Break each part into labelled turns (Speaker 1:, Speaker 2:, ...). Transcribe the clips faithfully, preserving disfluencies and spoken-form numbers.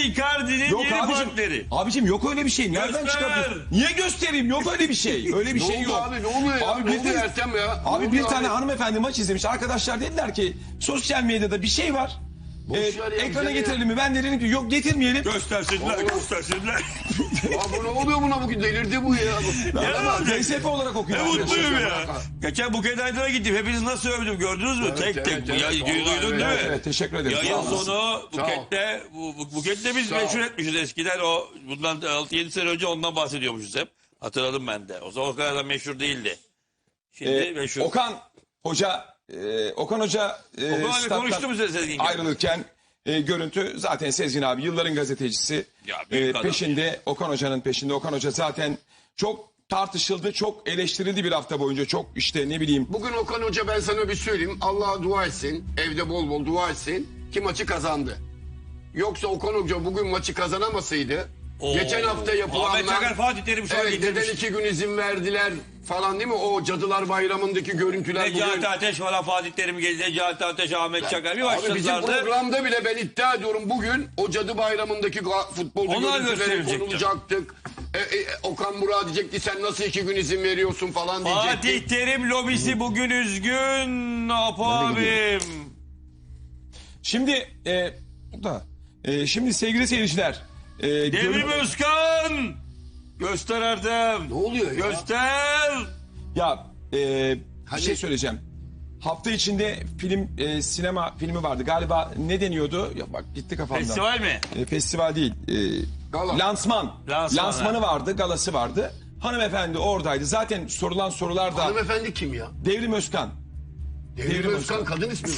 Speaker 1: Icardi'nin
Speaker 2: Yok
Speaker 1: yeni
Speaker 2: abicim,
Speaker 1: partneri.
Speaker 2: abicim yok öyle bir şey. Nereden
Speaker 1: Göster.
Speaker 2: çıkardın? Niye göstereyim? Yok öyle bir şey. Öyle bir
Speaker 3: Ne
Speaker 2: şey
Speaker 3: oldu
Speaker 2: yok.
Speaker 3: abi, ne oluyor ya?
Speaker 2: Abi
Speaker 3: Ne
Speaker 2: bir,
Speaker 3: oluyor Ertem ya? Ne
Speaker 2: abi bir
Speaker 3: oluyor
Speaker 2: tane
Speaker 3: abi?
Speaker 2: hanımefendi maç izlemiş. Arkadaşlar dediler ki sosyal medyada bir şey var.
Speaker 3: Boş
Speaker 2: Ee,
Speaker 3: ver ya,
Speaker 2: ekrana
Speaker 3: güzel
Speaker 2: getirelim mi? Ben de dedim ki yok getirmeyelim.
Speaker 1: Göstersinler,
Speaker 3: Oğlum.
Speaker 1: göstersinler.
Speaker 3: Abi ne oluyor buna bugün? Delirdi bu ya.
Speaker 2: Ben D S F olarak
Speaker 1: Ne
Speaker 2: okuyorum.
Speaker 1: mutluyum ya.
Speaker 3: bırak.
Speaker 1: Geçen Buket Aydın'a gittim. Hepinizi nasıl övdüm gördünüz mü?
Speaker 3: Evet,
Speaker 1: tek
Speaker 3: evet,
Speaker 1: tek.
Speaker 3: evet,
Speaker 1: Bu ya,
Speaker 3: evet,
Speaker 1: duydun
Speaker 3: vallahi
Speaker 1: değil mi?
Speaker 3: evet,
Speaker 2: Evet teşekkür ederim. Sağ
Speaker 1: Yayın
Speaker 2: olasın.
Speaker 1: sonu
Speaker 3: Sağ ol.
Speaker 1: Buket'te, bu, bu, Buket'te biz
Speaker 3: Sağ ol.
Speaker 1: meşhur etmişiz eskiden. O bundan altı yedi sene önce ondan bahsediyormuşuz hep. Hatırladım ben de. O zaman o kadar da meşhur değildi. Şimdi
Speaker 2: Ee,
Speaker 1: meşhur.
Speaker 2: Okan Hoca e, Okan Hoca e,
Speaker 1: Okan abi
Speaker 2: stat'tan
Speaker 1: konuştu mu Sezgin gibi?
Speaker 2: ayrılırken e, görüntü zaten Sezgin abi yılların gazetecisi.
Speaker 1: Ya, büyük
Speaker 2: E,
Speaker 1: adam.
Speaker 2: peşinde Okan Hoca'nın peşinde. Okan Hoca zaten çok tartışıldı, çok eleştirildi bir hafta boyunca. Çok işte ne bileyim.
Speaker 3: Bugün Okan Hoca ben sana bir söyleyeyim. Allah'a dua etsin. Evde bol bol dua etsin. Ki maçı kazandı. Yoksa Okan Hoca bugün maçı kazanamasaydı.
Speaker 1: Oo.
Speaker 3: Geçen hafta yapılanlar...
Speaker 1: Ahmet Çakar Fatih Terim şu an
Speaker 3: Evet
Speaker 1: getirmiş.
Speaker 3: neden iki gün izin verdiler falan değil mi? O Cadılar Bayramı'ndaki görüntüler bugün...
Speaker 1: Necati Ateş falan Fatih Terim geldi. Necati Ateş, Ahmet Çakar bir
Speaker 3: Abi bizim
Speaker 1: başladılardı.
Speaker 3: programda bile ben iddia ediyorum bugün o Cadı Bayramı'ndaki ga- futbolcu
Speaker 1: Onlar
Speaker 3: görüntüleri
Speaker 1: gösterilecekti.
Speaker 3: konulacaktık. E, e, Okan Murat diyecekti sen nasıl iki gün izin veriyorsun falan diyecekti.
Speaker 1: Fatih Terim lobisi bugün üzgün. Ne yapayım?
Speaker 2: Şimdi e, da e, şimdi sevgili seyirciler. E,
Speaker 1: Devrim
Speaker 2: görün-
Speaker 1: Özkan. Göster Erdem.
Speaker 3: Ne oluyor ya?
Speaker 1: Göster.
Speaker 2: Ya e, bir
Speaker 3: Hani-
Speaker 2: şey söyleyeceğim. Hafta içinde film e, sinema filmi vardı. Galiba ne deniyordu? Ya bak gitti kafamdan.
Speaker 1: Festival mi?
Speaker 2: E, festival değil. E,
Speaker 3: Gala.
Speaker 2: Lansman.
Speaker 1: Lansman,
Speaker 2: Lansmanı
Speaker 1: ha.
Speaker 2: vardı, galası vardı. Hanımefendi oradaydı. Zaten sorulan sorular da
Speaker 3: Hanımefendi kim ya?
Speaker 2: Devrim Özkan.
Speaker 3: Devrim,
Speaker 2: Devrim
Speaker 3: Özkan
Speaker 2: Özkan.
Speaker 3: kadın ismi mi?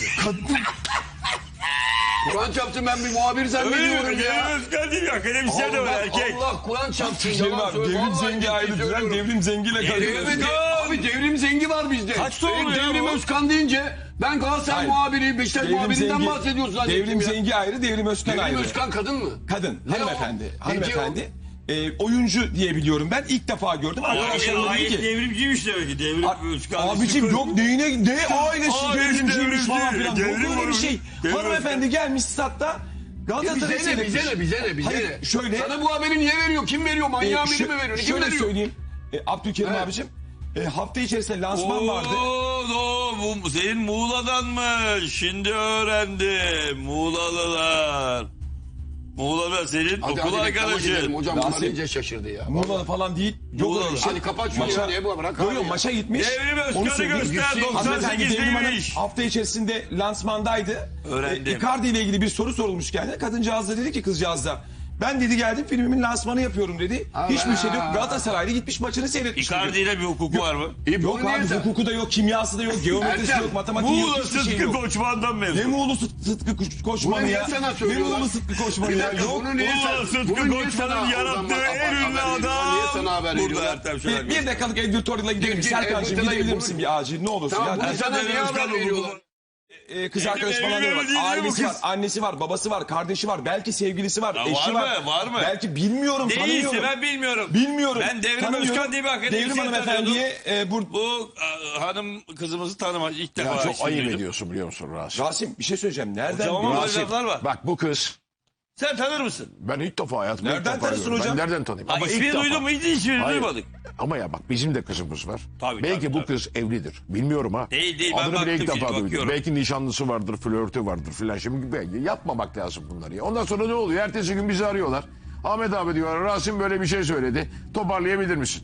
Speaker 3: Kur'an çarptı ben bir muhabir
Speaker 1: Öyle
Speaker 3: zannediyorum
Speaker 1: mi?
Speaker 3: ya.
Speaker 1: Devrim Özkan değil mi? Akademisyen de var
Speaker 3: Allah,
Speaker 1: erkek.
Speaker 3: Allah Kur'an çarptı.
Speaker 2: Devrim
Speaker 3: yalan
Speaker 2: abi,
Speaker 3: söylüyor.
Speaker 2: Devrim
Speaker 3: Vallahi
Speaker 2: Zengi
Speaker 3: ciddi
Speaker 2: ayrı düzen,
Speaker 3: söylüyorum.
Speaker 2: Devrim Zengi ile
Speaker 1: Devrim
Speaker 2: karıştırıyorsun.
Speaker 1: Özkan.
Speaker 3: Abi devrim zengi var bizde.
Speaker 1: Kaç doğumlu
Speaker 3: Benim
Speaker 1: ya
Speaker 3: Devrim
Speaker 1: bu?
Speaker 3: Özkan deyince ben Galatasaray
Speaker 2: Hayır.
Speaker 3: muhabiri, Beşiktaş muhabirinden bahsediyorsun zannettim
Speaker 2: Devrim
Speaker 3: ya.
Speaker 2: Zengi ayrı, Devrim Özkan
Speaker 3: Devrim
Speaker 2: ayrı.
Speaker 3: Özkan kadın mı?
Speaker 2: Kadın,
Speaker 3: Ne
Speaker 2: hanımefendi.
Speaker 3: o?
Speaker 2: Hanımefendi. E, oyuncu diye biliyorum ben. İlk defa gördüm. Arkadaşlarım dedi
Speaker 1: Ayet
Speaker 2: ki.
Speaker 1: devrimciymiş demek ki. Devrim Özkan.
Speaker 2: Abicim yok neyine ne ailesi
Speaker 1: Ailesi
Speaker 2: devrimciymiş
Speaker 1: devrimci,
Speaker 2: falan filan. Yok
Speaker 1: devrim
Speaker 2: öyle bir
Speaker 1: olmuş.
Speaker 2: şey.
Speaker 1: Devrim
Speaker 2: Hanımefendi gelmiş statta
Speaker 3: Ya
Speaker 2: Galatasaray
Speaker 3: bize ne, bize ne, bize ne, bize
Speaker 2: Hayır,
Speaker 3: ne?
Speaker 2: şöyle.
Speaker 3: Sana bu haberi niye veriyor? Kim veriyor? Manyağın
Speaker 2: e,
Speaker 3: biri
Speaker 2: şö-
Speaker 3: mi veriyor? Kim
Speaker 2: Şöyle
Speaker 3: veriyor?
Speaker 2: söyleyeyim. E, Abdülkerim
Speaker 3: Evet.
Speaker 2: abicim. E, hafta içerisinde lansman vardı.
Speaker 1: Oo, no, bu senin Muğla'danmış. Şimdi öğrendim. Muğlalılar. Muğla'da senin
Speaker 3: Hadi
Speaker 1: okul
Speaker 3: hadi reklama gidelim.
Speaker 1: arkadaşın.
Speaker 3: Hocam bunlar
Speaker 2: Rasim.
Speaker 3: iyice şaşırdı ya.
Speaker 2: Muğla'da falan değil. Yok
Speaker 1: Muğla'da.
Speaker 2: öyle bir şey.
Speaker 3: Hadi kapat şunu ya, niye bu? Bırak
Speaker 2: Yok
Speaker 3: abi
Speaker 2: yok
Speaker 3: ya.
Speaker 2: maça gitmiş.
Speaker 1: Devrim
Speaker 2: Onu
Speaker 1: Özkan'ı
Speaker 2: söyleyeyim.
Speaker 1: göster.
Speaker 3: Gitsin.
Speaker 2: Hanımefendi
Speaker 1: doksan sekiz
Speaker 2: Devrim Hanım
Speaker 1: demiş.
Speaker 2: hafta içerisinde lansmandaydı.
Speaker 1: Öğrendim.
Speaker 2: E, Icardi ile ilgili bir soru sorulmuş kendine. Kadıncağız da dedi ki kızcağız da. Ben dedi geldim filmimin lansmanı yapıyorum dedi.
Speaker 3: Allah.
Speaker 2: Hiçbir şey yok. Galatasaray'da gitmiş maçını seyretmiş. dedi.
Speaker 1: Icardi ile bir hukuku var mı?
Speaker 3: İyi, bunu
Speaker 2: Yok
Speaker 3: niye
Speaker 2: abi
Speaker 3: sen-
Speaker 2: hukuku da yok, kimyası da yok, geometrisi
Speaker 3: Ertem,
Speaker 2: yok, matematiği yok,
Speaker 1: Muğla
Speaker 2: hiçbir şey
Speaker 1: Sıtkı
Speaker 2: yok.
Speaker 1: Koçman'dan
Speaker 2: Ne
Speaker 1: mezun.
Speaker 2: Muğlu Sıt- Sıtkı Koç-
Speaker 3: Bunu
Speaker 2: Koçmanı
Speaker 3: niye
Speaker 2: ya?
Speaker 3: sana
Speaker 2: Ne
Speaker 3: söylüyorlar?
Speaker 2: Muğlu Sıtkı Koçmanı
Speaker 3: Bir
Speaker 2: ya?
Speaker 3: dakika,
Speaker 2: Yok.
Speaker 3: bunu niye
Speaker 1: Muğla
Speaker 3: sen-
Speaker 1: Sıtkı
Speaker 3: bunu niye
Speaker 1: Koçman'ın
Speaker 3: sana
Speaker 1: yarattığı
Speaker 3: oradan bak-
Speaker 1: en ünlü
Speaker 3: haber veriyorlar? Niye sana haber
Speaker 1: adam. Burada
Speaker 3: veriyorlar?
Speaker 1: Ertem şöyle.
Speaker 2: Bir, bir dakikalık editorial'a gidelim.
Speaker 3: Gir, gir,
Speaker 2: Serkan'cığım
Speaker 3: editorial'a
Speaker 2: gidebilir
Speaker 3: gir.
Speaker 2: misin bir acil? Ne olursun
Speaker 3: Tamam,
Speaker 2: ya?
Speaker 3: bunu
Speaker 2: Ben-
Speaker 3: sana niye haber veriyorlar?
Speaker 2: Ee, kız
Speaker 1: Evli-
Speaker 2: arkadaş falan
Speaker 1: evli-
Speaker 2: diyor bak.
Speaker 1: evli değil mi bu
Speaker 2: Ailesi var,
Speaker 1: kız?
Speaker 2: annesi var, babası var, kardeşi var, belki sevgilisi var,
Speaker 1: Ya
Speaker 2: eşi
Speaker 1: var
Speaker 2: var.
Speaker 1: mı, var mı?
Speaker 2: Belki bilmiyorum,
Speaker 1: Değilse
Speaker 2: tanımıyorum.
Speaker 1: ben bilmiyorum.
Speaker 2: Bilmiyorum.
Speaker 1: Ben Devrim
Speaker 2: tanımıyorum.
Speaker 1: Özkan diye bir akademisyen
Speaker 2: Devrim hanımefendiye e, bur
Speaker 1: Bu a, hanım kızımızı tanımaz ilk defa.
Speaker 4: Ya çok
Speaker 1: ismini
Speaker 4: ayıp
Speaker 1: duydum.
Speaker 4: ediyorsun biliyor musun Rasim?
Speaker 2: Rasim bir şey söyleyeceğim. Nereden
Speaker 1: Hocam ama
Speaker 2: biliyorsun?
Speaker 1: böyle laflar var.
Speaker 4: Bak bu kız
Speaker 1: Sen tanır mısın?
Speaker 4: ben ilk defa hayatımda ilk
Speaker 2: Nereden
Speaker 4: defa
Speaker 2: tanırsın
Speaker 4: görüyorum.
Speaker 2: hocam?
Speaker 4: Ben nereden tanıyayım?
Speaker 1: Ha,
Speaker 4: Ama
Speaker 1: ismini
Speaker 4: ilk defa.
Speaker 1: duydun mu? Hiç ismini
Speaker 4: Hayır.
Speaker 1: duymadık.
Speaker 4: Ama ya bak bizim de kızımız var.
Speaker 1: Tabii,
Speaker 4: Belki
Speaker 1: tabii,
Speaker 4: bu
Speaker 1: tabii.
Speaker 4: kız evlidir. Bilmiyorum ha.
Speaker 1: Değil, değil. Ben
Speaker 4: Adını bile ilk
Speaker 1: baktım
Speaker 4: defa
Speaker 1: şimdi,
Speaker 4: duydum.
Speaker 1: bakıyorum.
Speaker 4: Belki nişanlısı vardır, flörtü vardır filan. Şimdi belki yapmamak lazım bunları ya. Ondan sonra ne oluyor? Ertesi gün bizi arıyorlar. Ahmet abi diyorlar Rasim böyle bir şey söyledi. Toparlayabilir misin?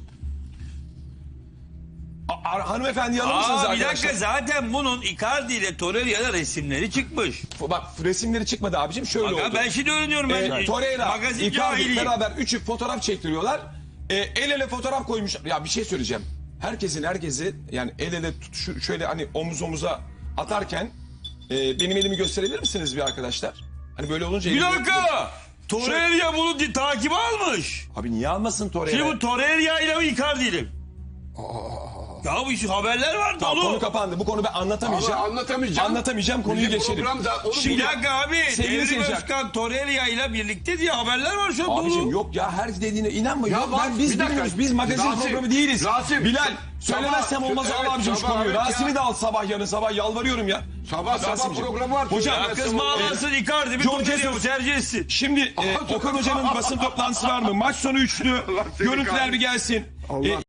Speaker 2: A- a- hanımefendi alır mısınız
Speaker 1: Aa, bir
Speaker 2: arkadaşlar?
Speaker 1: dakika zaten bunun Icardi ile Torreira'da resimleri çıkmış.
Speaker 2: F- Bak resimleri çıkmadı abicim şöyle
Speaker 1: Bak,
Speaker 2: oldu.
Speaker 1: ben şimdi öğreniyorum. Ben
Speaker 2: E, Torreira,
Speaker 1: magazin
Speaker 2: Icardi
Speaker 1: cahiliyim.
Speaker 2: beraber üçü fotoğraf çektiriyorlar. E, el ele fotoğraf koymuş. Ya bir şey söyleyeceğim. Herkesin herkesi yani el ele tut, şu- şöyle hani omuz omuza atarken e, benim elimi gösterebilir misiniz bir arkadaşlar? Hani böyle olunca...
Speaker 1: Bir
Speaker 2: elimi-
Speaker 1: dakika. Torreira bunu di- takibe almış.
Speaker 2: Abi niye almasın Torreira?
Speaker 1: Şimdi bu Torreira ile mi Icardi ile mi? Ya bu iş haberler var
Speaker 2: Tamam,
Speaker 1: dolu.
Speaker 2: konu kapandı. Bu konu ben anlatamayacağım.
Speaker 3: Ama anlatamayacağım.
Speaker 2: Anlatamayacağım, konuyu
Speaker 3: Bizim
Speaker 2: geçelim.
Speaker 3: programda onu
Speaker 1: Bir
Speaker 2: Şimdi
Speaker 1: dakika abi.
Speaker 2: sevgili
Speaker 1: Devrim
Speaker 2: seyirciler.
Speaker 1: Özkan Torreira ile birlikte diye haberler var şu an
Speaker 2: Abicim
Speaker 1: dolu.
Speaker 2: yok ya, her dediğine inanma.
Speaker 3: Ya
Speaker 2: Yok,
Speaker 3: bak,
Speaker 2: ben, biz
Speaker 3: bir dakika.
Speaker 2: bilmiyoruz. Biz magazin
Speaker 3: Rasim,
Speaker 2: programı değiliz.
Speaker 3: Rasim,
Speaker 2: Bilal,
Speaker 3: sabah-
Speaker 2: söylemezsem olmaz
Speaker 3: evet,
Speaker 2: Allah abicim şu
Speaker 3: sabah,
Speaker 2: konuyu.
Speaker 3: evet ya.
Speaker 2: Rasim'i de al sabah, yarın sabah, yalvarıyorum ya.
Speaker 3: Sabah sabah
Speaker 2: Rasimciğim.
Speaker 3: programı var.
Speaker 2: Hocam,
Speaker 1: Ya kız bağlansın Icardi bir
Speaker 2: George
Speaker 1: top veriyor,
Speaker 2: Jesus.
Speaker 1: tercih etsin.
Speaker 2: Şimdi e, Okan Hoca'nın basın toplantısı var mı? Maç sonu üçlü.
Speaker 3: seni
Speaker 2: Görüntüler
Speaker 3: kahretsin.
Speaker 2: bir gelsin.
Speaker 3: Allah-
Speaker 2: E,